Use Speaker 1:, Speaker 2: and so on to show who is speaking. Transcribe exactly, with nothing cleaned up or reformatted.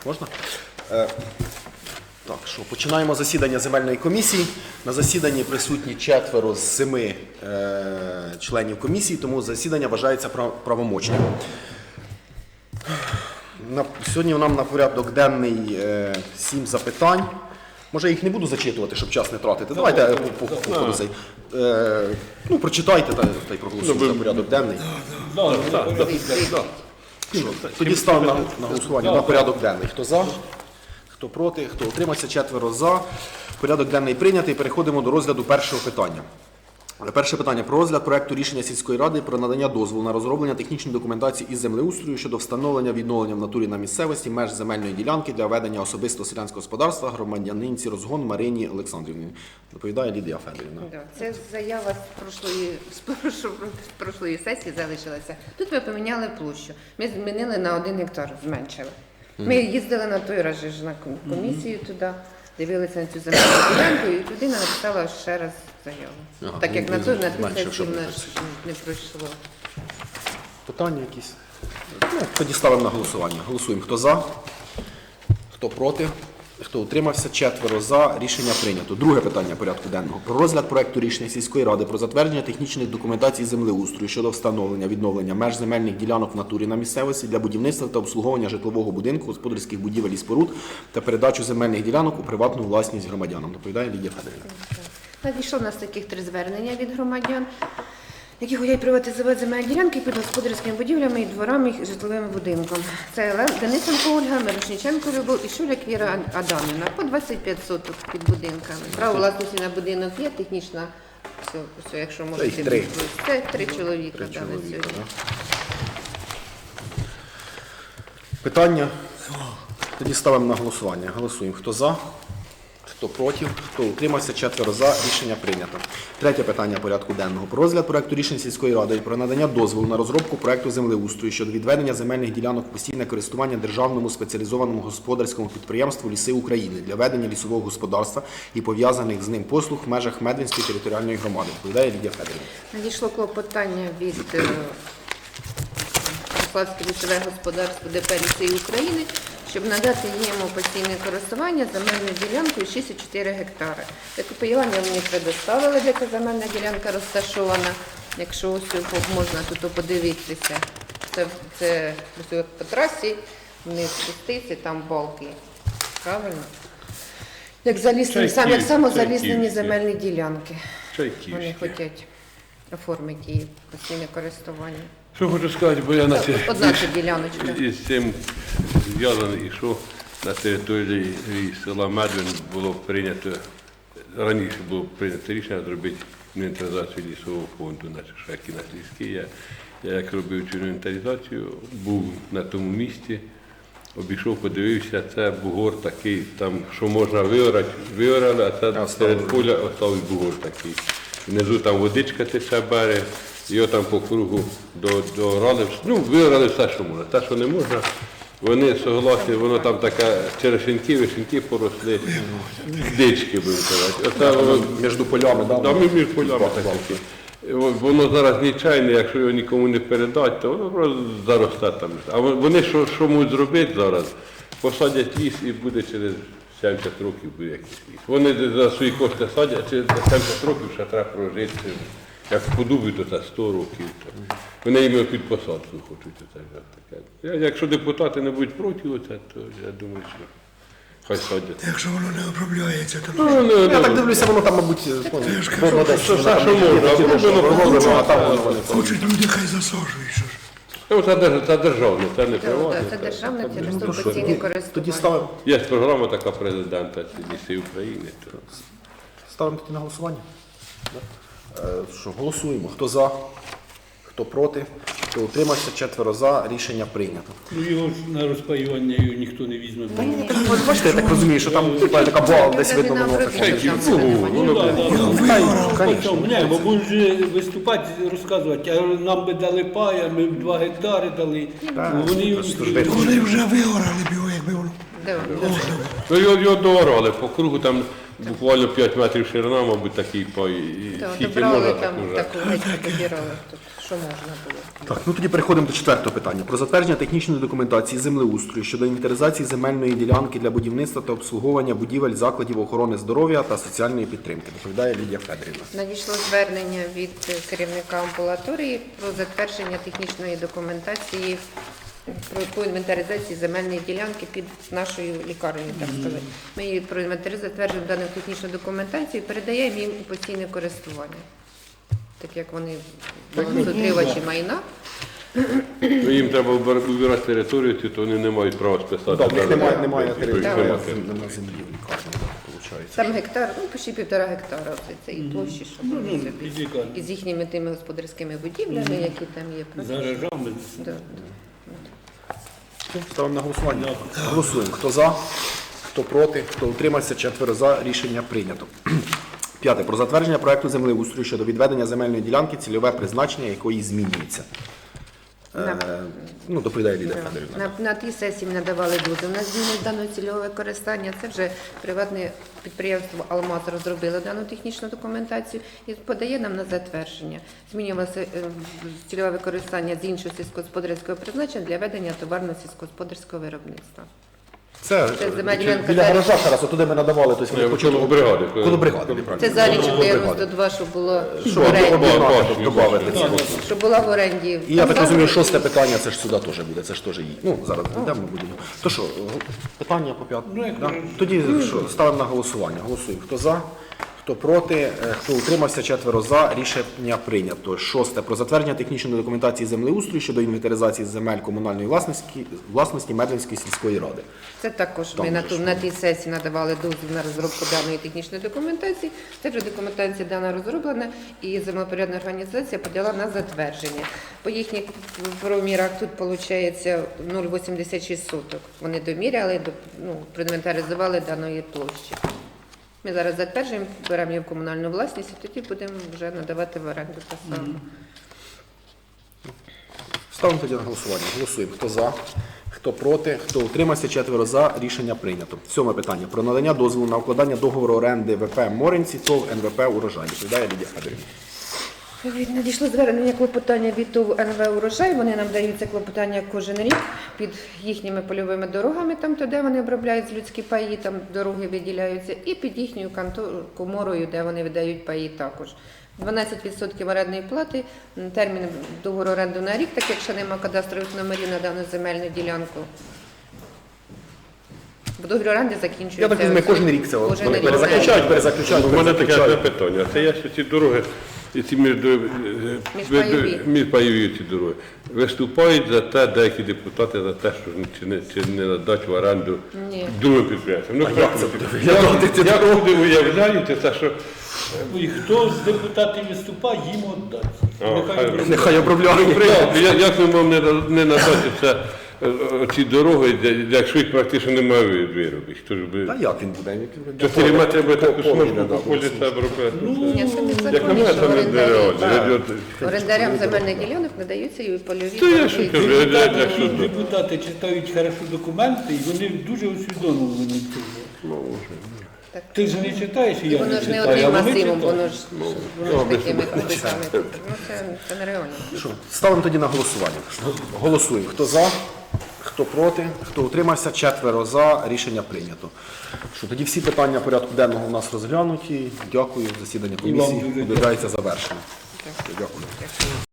Speaker 1: Можна? Е, так, що, починаємо засідання земельної комісії. На засіданні присутні четверо з семи е, членів комісії, тому засідання вважається прав- правомочним. На, сьогодні нам на порядок денний е, сім запитань. Може, я їх не буду зачитувати, щоб час не тратити. Давайте е, по, по, по, по, е, ну, прочитайте та, та й проголосуйте за порядок денний. Що, тоді ставимо на, на голосування на порядок денний. Хто за? Хто проти? Хто утримався? Четверо за. Порядок денний прийнятий. Переходимо до розгляду першого питання. Перше питання про розгляд проекту рішення сільської ради про надання дозволу на розроблення технічної документації із землеустрою щодо встановлення відновлення в натурі на місцевості меж земельної ділянки для ведення особистого селянського господарства громадянинці Розгон Марині Олександрівні. Доповідає Лідія Федорівна.
Speaker 2: Да, це заява з прошлої, з прошлої, з прошлої сесії залишилася. Тут ми поміняли площу. Ми змінили на один гектар, зменшили. Ми їздили на той раз же ж на комісію туди, дивилися на цю земельну ділянку, і людина написала ще раз заяву.
Speaker 1: Ага,
Speaker 2: так як
Speaker 1: ну,
Speaker 2: на той на ту
Speaker 1: менше,
Speaker 2: сесію
Speaker 1: щоб
Speaker 2: в
Speaker 1: не
Speaker 2: нас
Speaker 1: просити.
Speaker 2: не пройшло.
Speaker 1: Питання якісь? Ну, тоді ставимо на голосування. Голосуємо. Хто за? Хто проти? Хто утримався? Четверо за. Рішення прийнято. Друге питання порядку денного. Про розгляд проекту рішення сільської ради про затвердження технічних документацій землеустрою щодо встановлення відновлення меж земельних ділянок в натурі на місцевості для будівництва та обслуговування житлового будинку, господарських будівель і споруд та передачу земельних ділянок у приватну власність громадянам. Доповідає Лідія Федорівна.
Speaker 2: Надійшло в нас таких три звернення від громадян, які хочуть приватизувати земельні ділянки під господарськими будівлями і дворами і житловим будинком. Це Ле- Денисенко Ольга, Мирошниченко Любов і Шуляк Віра Адамівна. По двадцять п'ять соток під будинками. Право власності на будинок є, технічна, все, все, якщо можете.
Speaker 1: їх три.
Speaker 2: Це три чоловіка.
Speaker 1: Три
Speaker 2: да, на
Speaker 1: чоловіка,
Speaker 2: сьогодні.
Speaker 1: да. Питання? Тоді ставимо на голосування. Голосуємо. Хто за? Хто проти? Хто утримався? Четверо за. Рішення прийнято. Третє питання порядку денного. Про розгляд проекту рішень сільської ради про надання дозволу на розробку проекту землеустрою щодо відведення земельних ділянок в постійне користування державному спеціалізованому господарському підприємству «Ліси України» для ведення лісового господарства і пов'язаних з ним послуг в межах Медвинської територіальної громади. Доповідає Лідія Федорівна.
Speaker 2: Надійшло клопотання від е, Славське лісове господарство ДП «Ліси України», щоб надати йому постійне користування земельною ділянкою шість цілих чотири гектари. Таке поєднання мені предоставили, де ця земельна ділянка розташована. Якщо ось можна тут подивитися, це, це ось по трасі, вниз спуститься, там балки. Правильно? Як заліснені, сам, як само заліснені земельні ділянки. Вони
Speaker 3: Чайківське.
Speaker 2: хочуть оформити її постійне користування.
Speaker 3: Що хочу сказати, бо я на те-
Speaker 2: Одна ця діляночка.
Speaker 3: із цим зв'язаний, і що на території села Медвин було прийнято, раніше було прийнято рішення зробити інвентаризацію лісового фонду, наче шаки на ліски. Я, я як робив цю інвентаризацію, був на тому місці, обійшов, подивився, це бугор такий, там, що можна виорати, виорали, а це серед поля оставив бугор такий. Внизу там водичка тече берег, його там по кругу до, доорали, ну, виорали все, що можна. Те, що не можна, вони согласні, воно там така черешеньки, вишеньки поросли, дички, будемо казати. Оце воно
Speaker 1: Між полями, да?
Speaker 3: Да, між полями таке. Воно зараз нічайне, якщо його нікому не передати, то воно просто заросте там. А вони що, що можуть зробити зараз? Посадять ліс і буде через сімдесят років буде якийсь ліс. Вони за свої кошти садять, через сімдесят років ще треба прожити. Як подубі, то це сто років. Вони їм під посадку хочуть. Оце таке. Я- Якщо депутати не будуть проти оце, то я думаю, що хай садять.
Speaker 4: Якщо воно не обробляється, то
Speaker 3: Ну, ну,
Speaker 1: Я
Speaker 3: ну,
Speaker 1: так дивлюся, воно там, мабуть, воно десь
Speaker 3: що, все, що можна, а воно
Speaker 1: пророблено, а там воно вони.
Speaker 4: хочуть люди, хай засаджують. Що ж.
Speaker 3: Ну, це, держ- це державне, це не
Speaker 2: Це,
Speaker 3: приватне.
Speaker 2: це державне
Speaker 1: Ну,
Speaker 2: через
Speaker 1: то що,
Speaker 2: постійне
Speaker 1: тоді-
Speaker 2: користування.
Speaker 1: Тоді ставимо,
Speaker 3: Є програма така президента «Ліси України». То...
Speaker 1: ставимо тоді на голосування. Да? Е, Що, голосуємо. Хто за? Хто проти? Хто утримався? Четверо за. Рішення прийнято.
Speaker 5: Ну його ж на розпаювання його ніхто не візьме.
Speaker 1: Ось бачите, я так розумію, що там типа, така була десь видно воно так.
Speaker 5: Ну, да, да, ну,
Speaker 1: Конечно.
Speaker 5: по цьому. Ні, бо будуть же виступати, розказувати, а нам би дали пая, ми б два гектари дали. Ну, Вони його
Speaker 1: Просто
Speaker 5: ніхто
Speaker 1: ж
Speaker 5: не
Speaker 1: видно.
Speaker 4: Вони вже вигорали б його, якби воно.
Speaker 2: Да,
Speaker 3: Ну, його, його доорали по кругу, там буквально п'ять метрів ширина, мабуть, такий пай. І
Speaker 2: Так,
Speaker 3: скільки
Speaker 2: добрали
Speaker 3: можна,
Speaker 2: там
Speaker 3: так уже.
Speaker 2: таку геть добирали, тут що можна було.
Speaker 1: Так, ну тоді переходимо до четвертого питання. Про затвердження технічної документації землеустрою щодо інвентаризації земельної ділянки для будівництва та обслуговування будівель закладів охорони здоров'я та соціальної підтримки. Доповідає Лідія Федорівна.
Speaker 2: Надійшло звернення від керівника амбулаторії про затвердження технічної документації про по інвентаризації земельної ділянки під нашою лікарнею, так сказати. Ми її про інвентаризацію затверджуємо дану технічну документацію і передаємо їм у постійне користування. Так як вони балансоутримувачі майна.
Speaker 3: Ну, їм треба вибирати територію, то вони не мають права списати.
Speaker 1: Так, в них немає, немає
Speaker 3: Тобто,
Speaker 1: території,
Speaker 3: тобто,
Speaker 1: немає
Speaker 3: тобто,
Speaker 1: немає землі в лікарні, виходить.
Speaker 2: Там гектар, ну почти півтора гектара оце цієї площі, що вони
Speaker 5: ну,
Speaker 2: собі.
Speaker 5: під лікарню.
Speaker 2: І з їхніми тими господарськими будівлями, які там є.
Speaker 5: За гаражами.
Speaker 2: Да.
Speaker 1: Ставимо на голосування. Голосуємо. Хто за, хто проти, хто утримався, четверо за. Рішення прийнято. П'яте. Про затвердження проекту землеустрою щодо відведення земельної ділянки, цільове призначення якої змінюється. Е, ну, доповідає Лідія Федорівна.
Speaker 2: На, на тій сесії ми надавали дозвіл на зміну даного цільового використання. Це вже приватне підприємство «Алмаз» розробило дану технічну документацію і подає нам на затвердження. Змінювалося е, цільове використання з іншого сільськогосподарського призначення для ведення товарно-сільськогосподарського виробництва.
Speaker 1: Це,
Speaker 2: Це земельна
Speaker 1: чи-
Speaker 2: ділянка
Speaker 1: біля
Speaker 2: далі.
Speaker 1: гаража зараз, отуди ми надавали. Тобто ми
Speaker 3: Ні,
Speaker 1: почали-
Speaker 3: коло бригади.
Speaker 1: Коло бригади, неправильно.
Speaker 2: Це залічок
Speaker 1: Коло бригади.
Speaker 2: дев'яносто два, щоб було
Speaker 1: Що,
Speaker 2: в оренді.
Speaker 1: об'єднати, додати цього.
Speaker 2: Щоб була в оренді.
Speaker 1: І я так
Speaker 2: Там
Speaker 1: розумію,
Speaker 2: зараз-
Speaker 1: шосте питання, це ж сюди теж буде, це ж теж її. Ну, зараз йдемо, будемо. То що, питання по п'ятому? Да? Тоді що, ставимо на голосування. Голосуємо. Хто за, хто проти, е, хто утримався, четверо за. Рішення прийнято. Шосте. Про затвердження технічної документації землеустрою щодо інвентаризації земель комунальної власності, власності Медвинської сільської ради.
Speaker 2: Це також ми
Speaker 1: Там
Speaker 2: на,
Speaker 1: же
Speaker 2: ту,
Speaker 1: ж,
Speaker 2: на тій сесії надавали дозвіл на розробку даної технічної документації. Це вже документація дана розроблена і землепорядна організація подала на затвердження. По їхніх промірах тут виходить нуль вісімдесят шість соток. Вони доміряли, до- ну, проінвентаризували даної площі. Ми зараз затверджуємо, беремо її в комунальну власність і тоді будемо вже надавати в оренду те саме.
Speaker 1: Ставимо тоді на голосування. Голосуємо. Хто за, хто проти, хто утримався, четверо за. Рішення прийнято. Сьоме питання. Про надання дозволу на укладання договору оренди ВП «Моринці» ТОВ ен ве пе «Урожай». Доповідає Лідія Федорівна.
Speaker 2: Від- Надійшло звернення клопотання від ТОВ ен ве «Урожай». Вони нам дають це клопотання кожен рік під їхніми польовими дорогами, там, то, де вони обробляють людські паї, там дороги виділяються, і під їхньою канто- коморою, де вони видають паї також. дванадцять відсотків орендної плати, м, термін договору оренду на рік, так як ще нема кадастрових номерів на дану земельну ділянку. Бо договір оренди закінчується.
Speaker 1: Я так розумію, кожен рік це
Speaker 2: Кожен
Speaker 1: вони
Speaker 2: рік.
Speaker 1: перезаключають, перезаключають,
Speaker 3: У мене таке
Speaker 1: перезаключають.
Speaker 3: питання. Це є, що ці дороги, і ці між,
Speaker 2: Міжпайові.
Speaker 3: міжпайові ці дороги, виступають за те, деякі депутати, за те, що чи не, чи не надати в оренду
Speaker 2: Ні.
Speaker 3: другим підприємцям. Ну,
Speaker 1: як це буде виглядати?
Speaker 3: як, як люди уявляють, це що
Speaker 5: І хто з депутатів виступає, їм віддати. Нехай
Speaker 3: хай
Speaker 5: обробляють.
Speaker 1: Нехай обробляють.
Speaker 3: Як, як ми можемо не, не надати це, е, ці дороги, де- якщо їх практично немає виробити? Хто ж би...
Speaker 1: Та як він буде?
Speaker 3: Чотири метри би таку
Speaker 1: По-
Speaker 3: смужку
Speaker 1: по-
Speaker 3: по полі треба робити.
Speaker 2: Ні, це не
Speaker 3: Як на
Speaker 2: законно,
Speaker 3: мене,
Speaker 2: що
Speaker 3: це не
Speaker 2: орендарі-
Speaker 3: нереально. Я-
Speaker 2: орендарям земельних ділянок надаються і польові.
Speaker 3: Та я
Speaker 2: дороги.
Speaker 3: що кажу, я- я- я
Speaker 5: Депутати,
Speaker 3: що-
Speaker 5: депутати читають хорошо документи, і вони дуже усвідомлені цього.
Speaker 2: Так.
Speaker 5: Ти ж не читаєш, і
Speaker 2: І
Speaker 5: я
Speaker 2: воно
Speaker 5: не
Speaker 2: ж не
Speaker 5: читаю, а
Speaker 2: одним
Speaker 5: вони
Speaker 2: масивом,
Speaker 5: читають.
Speaker 2: воно ж, воно ж такими копитами. Ну, це, це нереально.
Speaker 1: Що, ставимо тоді на голосування. Голосуємо. Хто за, хто проти, хто утримався, четверо за. Рішення прийнято. Що, тоді всі питання порядку денного у нас розглянуті. Дякую. Засідання
Speaker 5: І вам
Speaker 1: комісії
Speaker 5: дуже
Speaker 1: об'являється завершеним. Дякую.